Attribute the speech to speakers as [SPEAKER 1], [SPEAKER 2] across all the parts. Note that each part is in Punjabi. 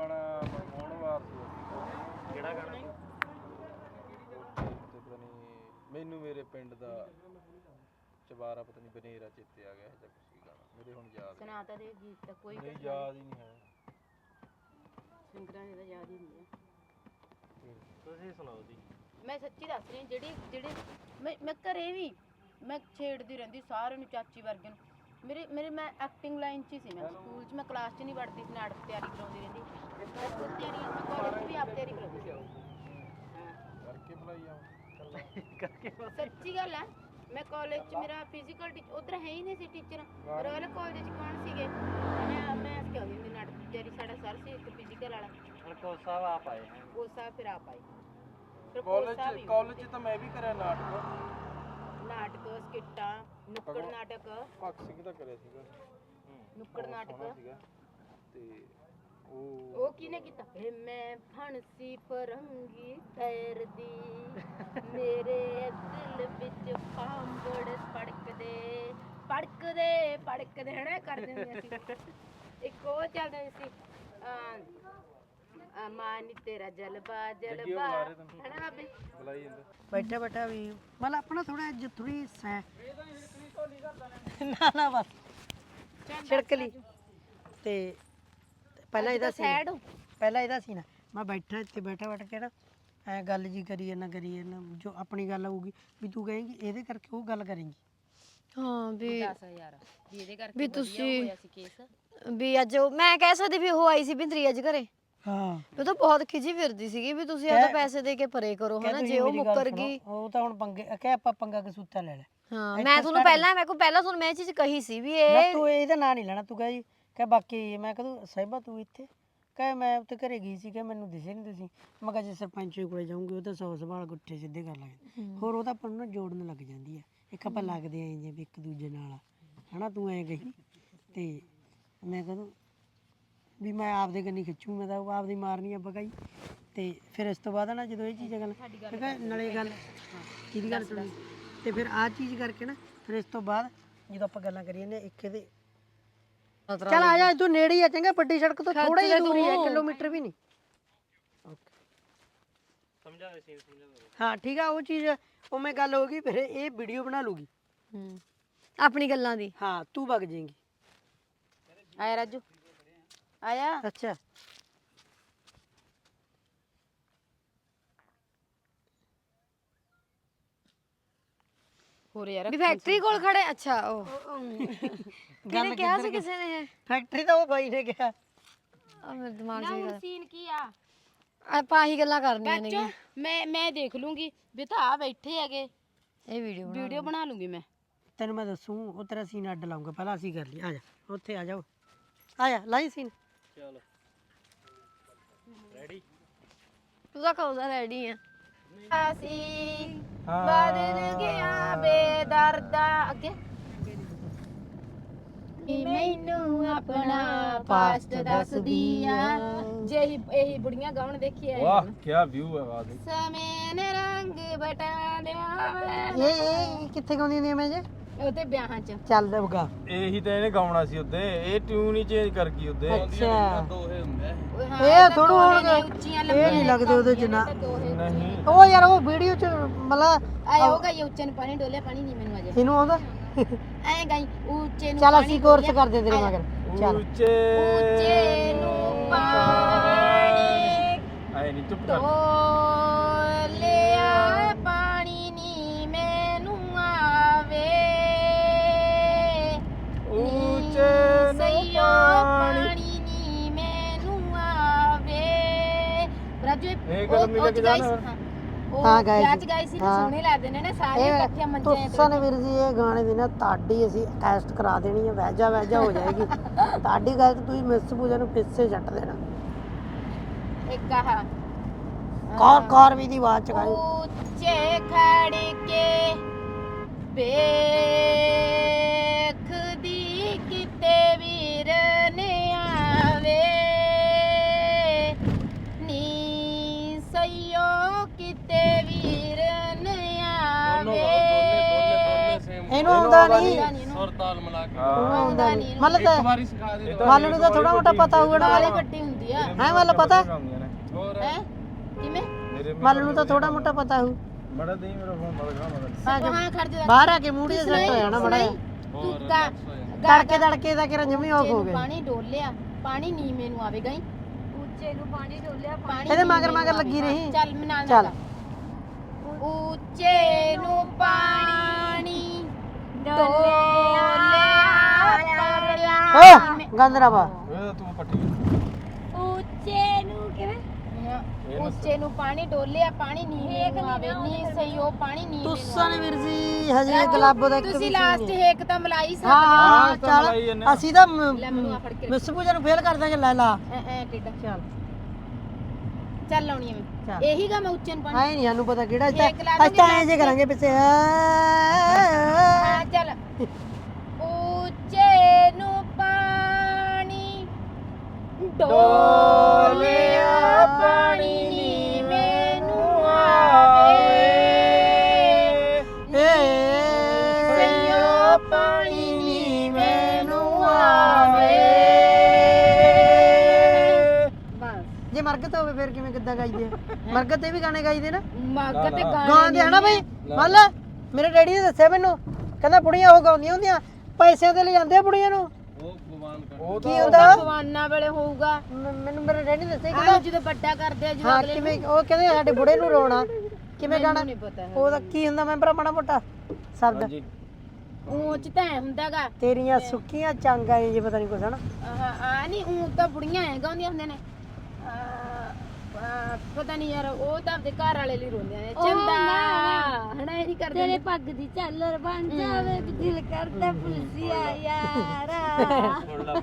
[SPEAKER 1] ਗਾਣਾ ਮਨਮੋਹਨ ਵਾਰ ਸੀ।
[SPEAKER 2] ਕਿਹੜਾ ਗਾਣਾ?
[SPEAKER 1] ਪਤਾ ਨਹੀਂ ਮੈਨੂੰ ਮੇਰੇ ਪਿੰਡ ਦਾ ਚਵਾਰਾ ਪਤਾ ਨਹੀਂ ਬਨੇਰਾ ਚੇਤੇ ਆ ਗਿਆ ਜਾਂ ਕੁਛ ਵੀ ਗਾਣਾ ਮੇਰੇ ਹੁਣ ਯਾਦ
[SPEAKER 3] ਸੁਣਾ ਤਾਂ ਦੇ ਗੀਤ ਤਾਂ ਕੋਈ
[SPEAKER 1] ਨਹੀਂ ਯਾਦ ਹੀ ਨਹੀਂ ਹੈ।
[SPEAKER 3] ਸਿੰਗਰਾਂ ਦੇ ਤਾਂ ਯਾਦ ਹੀ ਨਹੀਂ ਹੈ।
[SPEAKER 2] ਤੁਸੀਂ ਸੁਣਾਓ ਜੀ।
[SPEAKER 3] ਮੈਂ ਸੱਚੀ ਦੱਸ ਰਹੀ ਜਿਹੜੇ ਮੈਂ ਘਰੇ ਵੀ ਮੈਂ ਛੇੜਦੀ ਰਹਿੰਦੀ ਸਾਰਿਆਂ ਨੂੰ, ਚਾਚੀ ਵਰਗੇ ਨੂੰ। ਮੇਰੇ ਮੈਂ ਐਕਟਿੰਗ ਲਾਈਨ 'ਚ ਹੀ ਸੀ। ਮੈਂ ਸਕੂਲ 'ਚ ਮੈਂ ਕਲਾਸ 'ਚ ਨਹੀਂ ਵੜਦੀ ਸੀ, ਨਾਟਕ ਤਿਆਰੀ ਕਰਾਉਂਦੀ ਰਹਿੰਦੀ। ਮੈਂ ਖੁਦ ਤਿਆਰੀ ਮੈਂ ਕਾਲਜ 'ਚ ਵੀ ਆਪ ਤਿਆਰੀ ਕਰਾਉਂਦੀ ਸੀ।
[SPEAKER 1] ਕਰਕੇ ਬੁਲਾਈ ਆ
[SPEAKER 3] ਸੱਚੀ ਗੱਲ ਹੈ। ਮੈਂ ਕਾਲਜ 'ਚ ਮੇਰਾ ਫਿਜ਼ੀਕਲ ਟੀਚਰ ਉੱਧਰ ਹੈ ਹੀ ਨਹੀਂ ਸੀ ਟੀਚਰ। ਰਾਇਲ ਕਾਲਜ 'ਚ ਕੌਣ ਸੀਗੇ? ਮੈਂ ਕਿਹਾ ਹੁੰਦੀ ਨਾਟਕ ਦੀ ਤਿਆਰੀ ਸਾਡਾ ਸਰ ਸੀ ਇੱਕ ਫਿਜ਼ੀਕਲ ਵਾਲਾ।
[SPEAKER 2] ਹੁਣ ਕੋਚ ਸਾਹਿਬ ਆਪ ਆਏ ਹੈ।
[SPEAKER 3] ਕੋਚ ਸਾਹਿਬ ਫਿਰ ਆਪ ਆਏ।
[SPEAKER 1] ਕਾਲਜ 'ਚ ਤਾਂ ਮੈਂ ਵੀ ਕਰਿਆ ਨਾਟਕ
[SPEAKER 3] ਸਕਿੱਟਾਂ, ਨੁੱਕੜ ਨਾਟਕ।
[SPEAKER 1] ਭਗਤ ਸਿੰਘ ਦਾ ਕਰਿਆ ਸੀਗਾ
[SPEAKER 3] ਨੁੱਕੜ ਨਾਟਕ
[SPEAKER 1] ਸੀਗਾ ਤੇ
[SPEAKER 3] ਉਹ ਕਿਹਨੇ ਕੀਤਾ? ਮੈਂ ਫਣਸੀ ਫਰੰਗੀ ਤੈਰਦੀ ਮੇਰੇ ਦਿਲ ਵਿੱਚ ਪਾਂਬੜ ਪੜਕਦੇ ਹਨਾ ਕਰ ਦਿੰਦੇ ਸੀ। ਇੱਕ ਉਹ ਚੱਲਦਾ ਸੀ ਮਾਨ ਤੇਰਾ ਜਲਵਾ ਹਨਾ ਬੇ
[SPEAKER 1] ਬੁਲਾਈ ਜਾਂਦਾ
[SPEAKER 4] ਬੈਠਾ ਬੈਠਾ ਵੀ ਮਤਲਬ ਆਪਣਾ ਥੋੜਾ ਜਿਹਾ ਥੋੜੀ ਨਾ ਬਸ ਛਿੜਕ ਲਈ ਤੇ ਪਹਿਲਾਂ ਇਹਦਾ ਸੀ ਨਾ ਮੈਂ ਬੈਠਾ ਇੱਥੇ ਬੈਠਾ ਕੇ ਨਾ ਐ ਗੱਲ ਜੀ ਕਰੀਏ ਨਾ ਜੋ ਆਪਣੀ ਗੱਲ ਆਊਗੀ ਵੀ ਤੂੰ ਕਹੇਂਗੀ ਇਹਦੇ ਕਰਕੇ ਉਹ ਗੱਲ ਕਰੇਂਗੀ।
[SPEAKER 5] ਹਾਂ ਵੀ
[SPEAKER 3] 10000 ਵੀ ਇਹਦੇ ਕਰਕੇ
[SPEAKER 5] ਵੀ ਤੁਸੀਂ
[SPEAKER 3] ਹੋਇਆ ਸੀ ਕੇਸ।
[SPEAKER 5] ਵੀ ਅੱਜ ਮੈਂ ਕਹਿ ਸਕਦੀ ਵੀ ਉਹ ਆਈ ਸੀ ਬਿੰਦਰੀ ਅੱਜ ਘਰੇ।
[SPEAKER 4] ਹਾਂ
[SPEAKER 5] ਉਹ ਤਾਂ ਬਹੁਤ ਖਿਜੀ ਫਿਰਦੀ ਸੀਗੀ ਵੀ ਤੁਸੀਂ ਆ ਤਾਂ ਪੈਸੇ ਦੇ ਕੇ ਪਰੇ ਕਰੋ ਹਨਾ। ਜੇ ਉਹ ਮੁੱਕਰ ਗਈ
[SPEAKER 4] ਉਹ ਤਾਂ ਹੁਣ ਪੰਗੇ ਕਿ ਆਪਾਂ ਪੰਗਾ ਕਸੂਤਾ ਲੈ ਲੈ।
[SPEAKER 5] ਹਾਂ ਮੈਂ ਤੁਹਾਨੂੰ ਪਹਿਲਾਂ ਤੁਹਾਨੂੰ ਮੈਂ ਇਹ ਚੀਜ਼ ਕਹੀ ਸੀ ਵੀ ਇਹ
[SPEAKER 4] ਤੂੰ ਇਹਦਾ ਨਾਂ ਨਹੀਂ ਲੈਣਾ। ਤੂੰ ਕਹੇ ਕਿ ਬਾਕੀ ਮੈਂ ਕਹਦੂ ਸਾਹਿਬਾ ਤੂੰ ਇੱਥੇ ਕਹੇ ਮੈਂ ਉੱਥੇ ਘਰੇ ਗਈ ਸੀ ਕਿ ਮੈਨੂੰ ਦਿਸੇ ਨਹੀਂ ਤੁਸੀਂ। ਮੈਂ ਕਿਹਾ ਜੇ ਸਰਪੰਚ ਕੋਲੇ ਜਾਊਂਗੀ ਉਹ ਤਾਂ 100 ਸਵਾਲ ਗੁੱਠੇ ਸਿੱਧੇ ਕਰ ਲਾਂਗੇ। ਹੋਰ ਉਹ ਤਾਂ ਆਪਾਂ ਨੂੰ ਜੋੜਨ ਲੱਗ ਜਾਂਦੀ ਆ। ਇੱਕ ਆਪਾਂ ਲੱਗਦੇ ਆਂ ਜੇ ਇੱਕ ਦੂਜੇ ਨਾਲ ਹਨਾ। ਤੂੰ ਐਂ ਕਹੀ ਤੇ ਮੈਂ ਕਹਦੂ ਵੀ ਮੈਂ ਆਪਦੇ ਕੰਨੀ ਖਿੱਚੂ। ਮੈਂ ਤਾਂ ਆਪਦੀ ਮਾਰਨੀ ਆ ਬਗਾਈ। ਤੇ ਫਿਰ ਇਸ ਤੋਂ ਬਾਅਦ ਨਾ ਜਦੋਂ ਇਹ ਚੀਜ਼ਾਂ ਗੱਲ ਠੀਕ ਹੈ ਨਾਲੇ ਗੱਲ ਕਿਹਦੀ ਗੱਲ ਸੁਣੀ ਤੇ ਫਿਰ ਆਹ ਚੀਜ਼ ਕਰਕੇ ਨਾ ਫਿਰ ਇਸ ਤੋਂ ਬਾਅਦ ਜਦੋਂ ਆਪਾਂ ਗੱਲਾਂ ਕਰੀਏ ਨੇ ਇੱਕ ਇਹਦੇ ਚੱਲ ਆ ਜਾ ਤੂੰ ਨੇੜੇ ਹੀ ਆ ਚੰਗਾ। ਵੱਡੀ ਸੜਕ ਤੋਂ ਥੋੜਾ ਹੀ ਦੂਰ ਹੈ, ਕਿਲੋਮੀਟਰ ਵੀ ਨਹੀਂ।
[SPEAKER 2] ਸਮਝਾ ਸੀ ਸਮਝਾ।
[SPEAKER 4] ਹਾਂ ਠੀਕ ਆ ਉਹ ਚੀਜ਼ ਉਵੇਂ ਗੱਲ ਹੋ ਗਈ। ਫਿਰ ਇਹ ਵੀਡੀਓ ਬਣਾ ਲੂਗੀ
[SPEAKER 5] ਆਪਣੀ ਗੱਲਾਂ ਦੀ।
[SPEAKER 4] ਹਾਂ ਤੂੰ ਵਗ ਜਾਏਂਗੀ।
[SPEAKER 3] ਆਇਆ ਰਾਜੂ ਆਇਆ।
[SPEAKER 4] ਅੱਛਾ
[SPEAKER 3] ਹੋਰ ਯਾਰ
[SPEAKER 5] ਵੀ ਫੈਕਟਰੀ ਕੋਲ ਖੜੇ। ਅੱਛਾ ਉਹ ਕਿਹਨੇ ਕਿਹਾ ਸੀ ਕਿਸੇ ਨੇ?
[SPEAKER 4] ਫੈਕਟਰੀ ਤਾਂ ਉਹ ਬਾਈ ਨੇ ਕਿਹਾ।
[SPEAKER 5] ਆ ਮੇਰੇ ਦਿਮਾਗ 'ਚ ਇਹ ਗੱਲ
[SPEAKER 3] ਸੀਨ ਕੀ ਆ?
[SPEAKER 5] ਆਪਾਂ ਆਹੀ ਗੱਲਾਂ ਕਰਨੀਆਂ ਨੇ।
[SPEAKER 3] ਮੈਂ ਦੇਖ ਲੂੰਗੀ ਵੀ ਤਾਂ ਆ ਬੈਠੇ ਹੈਗੇ।
[SPEAKER 5] ਇਹ ਵੀਡੀਓ
[SPEAKER 3] ਬਣਾ ਲੂੰਗੀ ਮੈਂ।
[SPEAKER 4] ਤੈਨੂੰ ਮੈਂ ਦੱਸੂ ਉਹ ਤੇਰਾ ਸੀਨ ਅੱਡ ਲਾਉਂਗਾ। ਪਹਿਲਾਂ ਅਸੀਂ ਕਰ ਲਈ। ਆ ਜਾ ਉੱਥੇ ਆ ਜਾਓ। ਆ ਜਾ ਲਾਈ ਸੀਨ।
[SPEAKER 2] ਚਲੋ ਰੈਡੀ।
[SPEAKER 5] ਤੂੰ ਤਾਂ ਕਹੂਗਾ ਰੈਡੀ ਆ।
[SPEAKER 3] ਅਸੀਂ ਬਦਲ ਗਿਆ ਬੇਦਰਦਾ ਅੱਗੇ ਮੈਨੂੰ ਆਪਣਾ ਪਾਸਟ ਦੱਸਦੀ ਆ। ਜੇ ਇਹੀ ਬੁੜੀਆਂ ਗਾਉਣ ਦੇਖੀ
[SPEAKER 1] ਵਾਹ ਕੀ ਵਿਊ ਹੈ ਆਵਾਜ਼ ਦੀ।
[SPEAKER 3] ਸਮੇਂ ਨੇ ਰੰਗ ਬਟਾ ਦਿਆ
[SPEAKER 4] ਇਹ ਕਿੱਥੇ ਗਾਉਂਦੀਆਂ ਨੇ ਮੈਂ ਜੇ
[SPEAKER 3] ਉਹਦੇ ਵਿਆਹਾਂ 'ਚ।
[SPEAKER 4] ਚੱਲ ਦਊਗਾ।
[SPEAKER 1] ਇਹੀ ਤਾਂ ਇਹਨੇ ਗਾਉਣਾ ਸੀ ਉੱਤੇ। ਇਹ ਟਿਊਨ ਹੀ ਚੇਂਜ ਕਰ ਗਈ ਉੱਤੇ।
[SPEAKER 4] ਅੱਛਾ
[SPEAKER 1] ਦੋਹੇ ਹੁੰਦੇ
[SPEAKER 4] ਇਹ ਥੋੜੂ ਹੋਣਗੇ। ਇਹ ਨਹੀਂ ਲੱਗਦੇ ਉਹਦੇ ਚ ਨਾ।
[SPEAKER 1] ਨਹੀਂ
[SPEAKER 4] ਉਹ ਯਾਰ ਉਹ ਵੀਡੀਓ ਚ ਮਤਲਬ
[SPEAKER 3] ਆਇਆ ਹੋਗਾ ਇਹ ਉੱਚੇ ਨੂੰ ਪਾਣੀ ਡੋਲਿਆ ਪਾਣੀ ਨਹੀਂ ਮੈਨੂੰ ਅਜੇ
[SPEAKER 4] ਇਹਨੂੰ ਆਉਂਦਾ।
[SPEAKER 3] ਐ ਗਈ ਉੱਚੇ ਨੂੰ
[SPEAKER 4] ਚੱਲ ਅਸੀਂ ਕੋਰਸ ਕਰਦੇ ਤੇਰੇ ਮਗਰ। ਚੱਲ
[SPEAKER 3] ਉੱਚੇ ਨੂੰ ਪਾਣੀ
[SPEAKER 1] ਆਏ ਨਹੀਂ ਚੁੱਪ ਕਰ।
[SPEAKER 3] ਡੋਲਿਆ ਪਾਣੀ ਨੀ ਮੈਨੂੰ ਆਵੇ
[SPEAKER 1] ਉੱਚੇ
[SPEAKER 3] ਸਈਓ ਪਾਣੀ ਨੀ ਮੈਨੂੰ ਆਵੇ। ਰਾਜੂ
[SPEAKER 1] ਇਹ ਗੱਲ ਮਿਲ ਕੇ ਜਾਣਾ।
[SPEAKER 4] ਹਾਂ ਗਾਇਸ
[SPEAKER 3] ਗਾਈ ਸੀ ਸੋਹਣੇ ਲੱਗਦੇ ਨੇ ਨਾ ਸਾਰੇ ਇਕੱਠੇ ਮੰਜੇ ਤੇ।
[SPEAKER 4] ਤੁਸਾਂ ਨੇ ਵੀਰ ਜੀ ਇਹ ਗਾਣੇ ਦੀ ਨਾ ਤੁਹਾਡੀ ਅਸੀਂ ਟੈਸਟ ਕਰਾ ਦੇਣੀ ਹੈ। ਵੈਜਾ ਹੋ ਜਾਏਗੀ ਤੁਹਾਡੀ ਗੱਲ। ਤੁਸੀਂ ਮਿਸ ਪੂਜਾ ਨੂੰ ਪਿੱਛੇ ਛੱਡ ਦੇਣਾ।
[SPEAKER 3] ਇੱਕ ਆਹ
[SPEAKER 4] ਕਾਰ ਵੀ ਦੀ ਆਵਾਜ਼ ਚ ਗਾਈ।
[SPEAKER 3] ਉੱਚੇ ਖੜ ਕੇ ਵੇਖਦੀ ਕਿਤੇ ਵੀਰ ਨੇ ਆਵੇ ਨੀ ਸਈਓ ਕਿਤੇ ਵੀਰ ਨੇ ਆਵੇ।
[SPEAKER 4] ਇਹਨੂੰ ਆਉਂਦਾ ਨਹੀਂ।
[SPEAKER 2] ਸੁਰ ਤਾਲ ਮਿਲਾ ਕੇ
[SPEAKER 4] ਆਉਂਦਾ ਨਹੀਂ। ਮਤਲਬ
[SPEAKER 1] ਇੱਕ ਵਾਰੀ ਸਿਖਾ ਦੇ।
[SPEAKER 4] ਮਨ ਨੂੰ ਤਾਂ ਥੋੜਾ ਮੋਟਾ ਪਤਾ ਹੋਊਗਾ ਨਾ।
[SPEAKER 3] ਵਾਲੀ ਵੱਡੀ ਹੁੰਦੀ ਹੁੰਦੀ ਆ
[SPEAKER 4] ਹੈ ਮੱਲ ਪਤਾ
[SPEAKER 1] ਹੋਰ
[SPEAKER 3] ਹੈ ਕਿਵੇਂ
[SPEAKER 1] ਮੇਰੇ
[SPEAKER 4] ਮੱਲ ਨੂੰ ਤਾਂ ਥੋੜਾ ਮੋਟਾ ਪਤਾ ਹੋਊ
[SPEAKER 1] ਬੜਾ ਦੇਈ ਮੇਰਾ ਫੋਨ ਬੜਾ ਖਾ ਮੜਾ
[SPEAKER 3] ਹਾਂ ਖੜ ਜਾ
[SPEAKER 4] ਬਾਹਰ ਆ ਕੇ ਮੂੜੀ ਸੈੱਟ ਹੋ ਜਾਣਾ ਮੜਾ
[SPEAKER 3] ਤੂੰ ਕਾ
[SPEAKER 4] ਤੜਕੇ ਦਾ ਕਿਰਨ ਜਮੀ ਆਫ ਹੋ ਗਏ
[SPEAKER 3] ਪਾਣੀ ਡੋਲਿਆ ਪਾਣੀ ਨੀਵੇਂ ਨੂੰ ਆਵੇਗਾ ਹੀ
[SPEAKER 5] ਉੱਚੇ ਨੂੰ ਪਾਣੀ ਡੋਲਿਆ
[SPEAKER 3] ਪਾਣੀ
[SPEAKER 4] ਇਹਦੇ ਮਗਰ
[SPEAKER 3] ਨੀਵੇਂ ਨੂੰ
[SPEAKER 4] ਮਗਰ ਲੱਗੀ
[SPEAKER 3] ਆਵੇਗਾ।
[SPEAKER 4] ਰਹੀ।
[SPEAKER 3] ਚੱਲ ਮੈਂ ਨਾਲ
[SPEAKER 4] ਚੱਲ।
[SPEAKER 3] ਨਾਲ ਉੱਚੇ ਨੂੰ ਪਾਣੀ ਡੋਲਿਆ
[SPEAKER 4] ਓ ਗੰਦਰਾਵਾ
[SPEAKER 1] ਇਹ ਤੂੰ ਪੱਟੀ
[SPEAKER 5] ਉੱਚੇ ਨੂੰ ਕਿਵੇਂ
[SPEAKER 3] ਉੱਚੇ ਨੂੰ ਪਾਣੀ ਡੋਲਿਆ ਪਾਣੀ ਨੀਵੇਂ ਨੂੰ ਆਵੇ ਨੀ ਸਹੀ ਉਹ ਪਾਣੀ ਨੀਵੇਂ ਨੂੰ
[SPEAKER 4] ਤੁਸਾਂ ਨੇ ਵੀਰ ਜੀ ਹਜੇ ਗਲਾਬੋ ਦਾ ਇੱਕ
[SPEAKER 3] ਤੁਸੀਂ
[SPEAKER 4] ਵੀ
[SPEAKER 3] ਲਾਸਟ
[SPEAKER 4] ਨਹੀਂ।
[SPEAKER 3] ਹੇਕ ਤਾਂ ਮਲਾਈ
[SPEAKER 4] ਹਾਂ ਹਾਂ
[SPEAKER 1] ਤਾਂ ਮਲਾਈ
[SPEAKER 4] ਚੱਲ
[SPEAKER 1] ਜਾਂਦੇ ਆ।
[SPEAKER 4] ਅਸੀਂ ਤਾਂ
[SPEAKER 3] ਲੈ ਮੈਨੂੰ ਆ ਫੜ ਕੇ
[SPEAKER 4] ਮਿਸ ਪੂਜਾ ਨੂੰ ਫੇਲ ਕਰ ਦਾਂਗੇ ਲੈ ਲਾ
[SPEAKER 3] ਐ ਕਿੱਡਾ
[SPEAKER 4] ਚੱਲ
[SPEAKER 3] ਚੱਲ ਲਾਉਣੀ ਐ ਮੈਂ
[SPEAKER 4] ਚੱਲ
[SPEAKER 3] ਇਹੀ ਗਾ ਮੈਂ ਉੱਚੇ ਨੂੰ ਪਾਣੀ
[SPEAKER 4] ਆਏ ਨਹੀਂ ਸਾਨੂੰ ਪਤਾ ਕਿਹੜਾ
[SPEAKER 3] ਹੇਕ ਲਾ ਦਾਂਗੇ
[SPEAKER 4] ਅੱਛਾ ਐਂ ਜੇ ਕਰਾਂਗੇ ਪਿੱਛੇ
[SPEAKER 3] ਹਾਂ ਚੱਲ ਉੱਚੇ ਨੂੰ ਪਾਣੀ ਡੋਲਿਆ ਪਾਣੀ ਨੀਵੇਂ ਨੂੰ ਆਵੇ ਸਈਓ ਪਾਣੀ ਨੀਵੇਂ ਨੂੰ ਆਵੇ
[SPEAKER 4] ਜੇ ਮਰਗਤ ਹੋਵੇ ਫਿਰ ਕਿਵੇਂ ਕਿੱਦਾਂ ਗਾਈਦੇ ਆ? ਮਰਗਤ ਤੇ ਵੀ ਗਾਣੇ ਗਾਈਦੇ ਨਾ
[SPEAKER 3] ਮੱਗ ਤੇ ਗਾਣੇ
[SPEAKER 4] ਗਾਉਂਦੇ ਹਨਾ ਬਈ ਮੰਨ ਲੈ ਮੇਰੇ ਡੈਡੀ ਨੇ ਦੱਸਿਆ ਮੈਨੂੰ ਕਹਿੰਦਾ ਬੁੜੀਆਂ ਉਹ ਗਾਉਂਦੀਆਂ ਹੁੰਦੀਆਂ ਪੈਸਿਆਂ ਤੇ ਲੈ ਜਾਂਦੇ ਆ ਬੁੜੀਆਂ ਨੂੰ
[SPEAKER 1] ਉਹ ਭਗਵਾਨ ਕਰ ਉਹ
[SPEAKER 4] ਕੀ ਹੁੰਦਾ
[SPEAKER 3] ਭਗਵਾਨਾਂ ਵੇਲੇ ਹੋਊਗਾ
[SPEAKER 4] ਮੈਨੂੰ ਮੇਰੇ ਡੈਡੀ ਨੇ ਦੱਸਿਆ
[SPEAKER 3] ਆਹ ਜਦੋਂ ਵੱਡਾ ਕਰਦੇ ਆ ਜਦੋਂ
[SPEAKER 4] ਹਾਂ
[SPEAKER 3] ਅਗਲੇ
[SPEAKER 4] ਕਿਵੇਂ ਉਹ ਕਹਿੰਦੇ ਸਾਡੇ ਬੁੜੇ ਨੂੰ ਰੋਣਾ ਕਿਵੇਂ ਗਾਣਾ
[SPEAKER 3] ਨਹੀਂ ਪਤਾ ਹੈ
[SPEAKER 4] ਉਹਦਾ ਕੀ ਹੁੰਦਾ ਮੈਂ ਭਰਾ ਮਾੜਾ ਮੋਟਾ ਸ਼ਬਦ
[SPEAKER 1] ਹਾਂਜੀ
[SPEAKER 3] ਉਹ ਚ ਤਾਂ ਐਂ ਹੁੰਦਾਗਾ
[SPEAKER 4] ਤੇਰੀਆਂ ਸੁੱਕੀਆਂ ਚਾਂਗਾਂ ਜੇ ਪਤਾ ਨਹੀਂ ਕੁਛ ਹਨਾ
[SPEAKER 3] ਆ ਨਹੀਂ ਉਹ ਤਾਂ ਬੁੜੀਆਂ ਐ ਗਾਉਂਦੀਆਂ ਹੁੰਦੇ ਨੇ ਪਤਾ ਨਹੀਂ ਯਾਰ ਉਹ ਤਾਂ ਆਪਦੇ ਘਰ ਵਾਲੇ ਲਈ ਰੋਂਦੇ ਨੇ ਚੰਦਾ ਹਨਾ ਇਹ ਨਹੀਂ ਕਰਦੇ
[SPEAKER 5] ਤੇਰੇ ਪੱਗ ਦੀ ਝਾਲਰ ਬਣ ਜਾਵੇ ਵੀ ਦਿਲ ਕਰਦਾ ਪੁਲਸੀਆ ਯਾਰਾ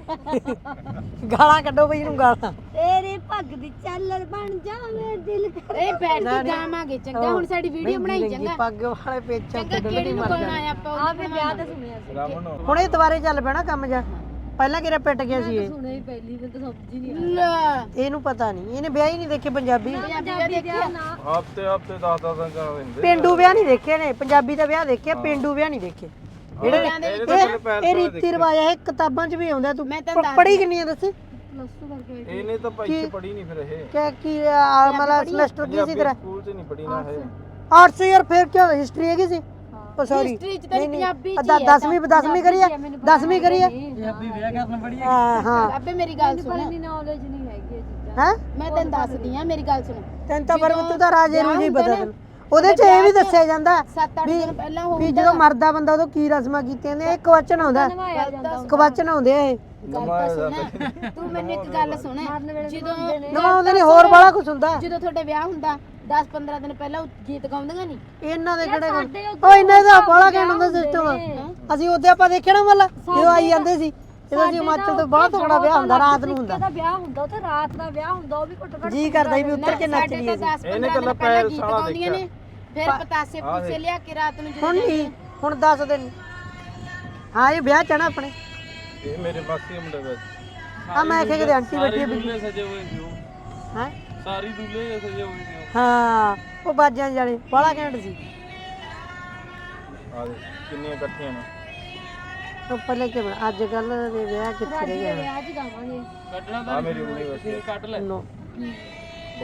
[SPEAKER 4] ਗਾਲਾਂ ਕੱਢੋ ਬਈ ਨੂੰ ਗਾਲਾਂ
[SPEAKER 5] ਤੇਰੇ ਪੱਗ ਦੀ ਝਾਲਰ ਬਣ ਜਾਵੇ ਦਿਲ ਕਰ
[SPEAKER 3] ਇਹ ਬੈਠ ਕੇ ਗਾਵਾਂਗੇ ਚੰਗਾ ਹੁਣ ਸਾਡੀ ਵੀਡੀਓ ਬਣਾਈ ਚੰਗਾ
[SPEAKER 4] ਪੱਗ ਵਾਲੇ ਪੇਚਾਂ
[SPEAKER 3] ਚੰਗਾ ਕਿਹੜੀ ਨੂੰ ਕੋਣ ਆਇਆ ਆਪਾਂ
[SPEAKER 5] ਆ ਵੀ ਵਿਆਹ ਤਾਂ ਸੁਣਿਆ ਸੀ
[SPEAKER 1] ਰਾਮਨ
[SPEAKER 4] ਹੁਣ ਇਹ ਦੁਬਾਰੇ ਚੱਲ ਪੈਣਾ ਕੰਮ ਜਾ ਪਹਿਲਾਂ ਕਿਹੜਾ ਪਿੱਟ ਗਿਆ ਸੀ ਇਹ
[SPEAKER 5] ਸੁਣਿਆ ਹੀ ਪਹਿਲੀ ਵਾਰ ਤਾਂ ਸਮਝ ਹੀ ਨਹੀਂ
[SPEAKER 3] ਲੈ
[SPEAKER 4] ਇਹਨੂੰ ਪਤਾ ਨਹੀਂ ਇਹਨੇ ਵਿਆਹ ਹੀ ਨਹੀਂ ਦੇਖੇ ਪੰਜਾਬੀ
[SPEAKER 3] ਪੰਜਾਬੀ ਦੇਖਿਆ
[SPEAKER 1] ਹਫਤੇ 10 ਦਿਨ ਕਰ ਦਿੰਦੇ
[SPEAKER 4] ਪਿੰਡੂ ਵਿਆਹ ਨਹੀਂ ਦੇਖੇ ਨੇ ਪੰਜਾਬੀ ਦਾ ਵਿਆਹ ਦੇਖਿਆ ਪਿੰਡੂ ਵਿਆਹ ਨਹੀਂ ਦੇਖੇ
[SPEAKER 1] ਇਹਦੇ ਤਾਂ ਚਲੇ ਪੈਰ
[SPEAKER 4] ਇਹ ਰੀਤੀ ਰਿਵਾਜ ਹੈ ਕਿਤਾਬਾਂ 'ਚ ਵੀ ਆਉਂਦਾ ਤੂੰ
[SPEAKER 3] ਮੈਂ ਤੈਨੂੰ
[SPEAKER 4] ਪੜ੍ਹੀ ਕਿੰਨੀਆਂ ਦੱਸ
[SPEAKER 5] ਪਲੱਸ 2 ਕਰਕੇ
[SPEAKER 1] ਇਹਨੇ ਤਾਂ ਭਾਈ ਪੜੀ ਨਹੀਂ ਫਿਰ ਇਹ
[SPEAKER 4] ਕੀ ਮਤਲਬ ਸਮੈਸਟਰ ਕੀ ਸੀ ਤੇਰਾ
[SPEAKER 1] ਸਕੂਲ 'ਚ ਨਹੀਂ ਪੜੀ ਨਾ ਇਹ
[SPEAKER 4] ਆਰਟਸ ਯਾਰ ਫਿਰ ਕੀ ਹਿਸਟਰੀ ਹੈਗੀ ਸੀ ਉਹ ਸੌਰੀ
[SPEAKER 3] ਹਿਸਟਰੀ ਚ ਤਾਂ ਪੰਜਾਬੀ ਚ
[SPEAKER 4] 10ਵੀਂ ਕਰੀ 10ਵੀਂ ਕਰੀ ਹਾਂ
[SPEAKER 3] ਅੱਬੇ ਮੇਰੀ ਗੱਲ ਸੁਣ
[SPEAKER 5] ਇੰਨੀ ਨੌਲੇਜ ਨਹੀਂ ਹੈਗੀ ਇਹ ਚੀਜ਼ਾਂ
[SPEAKER 4] ਹੈ
[SPEAKER 3] ਮੈਂ ਤੈਨੂੰ ਦੱਸਦੀ ਆ ਮੇਰੀ ਗੱਲ ਸੁਣ
[SPEAKER 4] ਤੈਨੂੰ ਤਾਂ ਪਰ ਤੂੰ ਤਾਂ ਰਾਜੇ ਨੂੰ ਨਹੀਂ ਪਤਾ ਤੈਨੂੰ ਉਹਦੇ 'ਚ ਇਹ ਵੀ ਦੱਸਿਆ ਜਾਂਦਾ
[SPEAKER 3] 7-8 ਦਿਨ ਪਹਿਲਾਂ ਹੋ
[SPEAKER 4] ਵੀ ਜਦੋਂ ਮਰਦਾ ਬੰਦਾ ਉਦੋਂ ਕੀ ਰਸਮਾਂ ਕੀਤੀਆਂ ਨੇ ਇੱਕ ਵਚਨ ਆਉਂਦਾ ਕਵਚਨ ਆਉਂਦੇ ਆ ਇਹ
[SPEAKER 3] ਗੱਲ ਤਾਂ ਸੁਣ ਤੂੰ ਮੈਨੂੰ ਇੱਕ ਗੱਲ ਸੁਣ ਜਦੋਂ
[SPEAKER 4] ਨਵਾਉਂਦੇ ਨੇ ਹੋਰ ਬੜਾ ਕੁਝ ਹੁੰਦਾ
[SPEAKER 3] ਜਦੋਂ ਤੁਹਾਡੇ ਵਿਆਹ ਹੁੰਦਾ 10-15 ਦਿਨ ਪਹਿਲਾਂ ਗੀਤ ਗਾਉਂਦੀਆਂ ਨਹੀਂ
[SPEAKER 4] ਇਹਨਾਂ ਦੇ ਕਿਹੜੇ ਉਹ ਇਹਨਾਂ ਦਾ ਬੜਾ ਕਹਿਣ ਹੁੰਦਾ ਸਿਸਟਮ ਅਸੀਂ ਉਹਦੇ ਆਪਾਂ ਦੇਖਿਆ ਨਾ ਮੱਲਾ ਜਦੋਂ ਆਈ ਜਾਂਦੇ ਸੀ ਜਦੋਂ ਅਸੀਂ ਹਿਮਾਚਲ ਤੋਂ ਬਹੁਤ ਤਕੜਾ ਵਿਆਹ ਹੁੰਦਾ ਰਾਤ ਨੂੰ ਹੁੰਦਾ
[SPEAKER 5] ਦਾ ਵਿਆਹ ਹੁੰਦਾ ਉੱਥੇ ਰਾਤ ਦਾ ਵਿਆਹ ਹੁੰਦਾ ਉਹ ਵੀ ਘੱਟੋ ਘੱਟ
[SPEAKER 4] ਜੀ ਕਰਦਾ ਸੀ ਵੀ ਉੱਤਰ ਕੇ ਨੱਚ
[SPEAKER 3] ਸਾਡੇ
[SPEAKER 4] ਲਈਏ
[SPEAKER 3] ਤਾਂ 10-15 ਦਿਨ ਪਹਿਲਾਂ ਗੀਤ ਗਾਉਂਦੀਆਂ ਨੇ ਫਿਰ ਪਤਾਸੇ ਪੂਸੇ ਲਿਆ ਕੇ ਰਾਤ ਨੂੰ
[SPEAKER 4] ਹੁਣ ਨਹੀਂ ਹੁਣ 10 ਦਿਨ ਹਾਂ ਇਹ ਵਿਆਹ ਚਣਾ ਆਪਣੇ
[SPEAKER 1] ਇਹ ਮੇਰੇ ਮਾਸੀ ਦੇ ਮੁੰਡੇ ਵਿੱਚ
[SPEAKER 4] ਆ ਮੈਂ ਆਖਿਆ ਕਿ ਆਂਟੀ ਬੈਠੀ ਹੈ
[SPEAKER 1] ਦੂਲੇ ਸਜੇ ਹੋਏ ਸੀ ਉਹ
[SPEAKER 4] ਹੈ
[SPEAKER 1] ਸਾਰੀ ਦੂਲੇ ਸਜੇ ਹੋਏ ਸੀ
[SPEAKER 4] ਹਾਂ ਉਹ ਬਾਜਾਂ ਜਾਲੇ ਬੜਾ ਘੈਂਟ ਸੀ
[SPEAKER 1] ਆ ਦੇ ਕਿੰਨੀਆਂ ਇਕੱਠੀਆਂ ਨੇ
[SPEAKER 4] ਉਹ ਪਹਿਲੇ ਕਿ ਅੱਜ ਕੱਲ ਦੇ ਵਿਆਹ ਕਿੱਥੇ ਰਹਿ ਗਏ
[SPEAKER 5] ਵਿਆਹ 'ਚ ਗਾਵਾਂਗੇ
[SPEAKER 1] ਕੱਢਣਾ ਤਾਂ ਮੇਰੀ ਯੂਨੀਵਰਸਿਟੀ ਕੱਢ ਲੈ
[SPEAKER 4] ਨੋ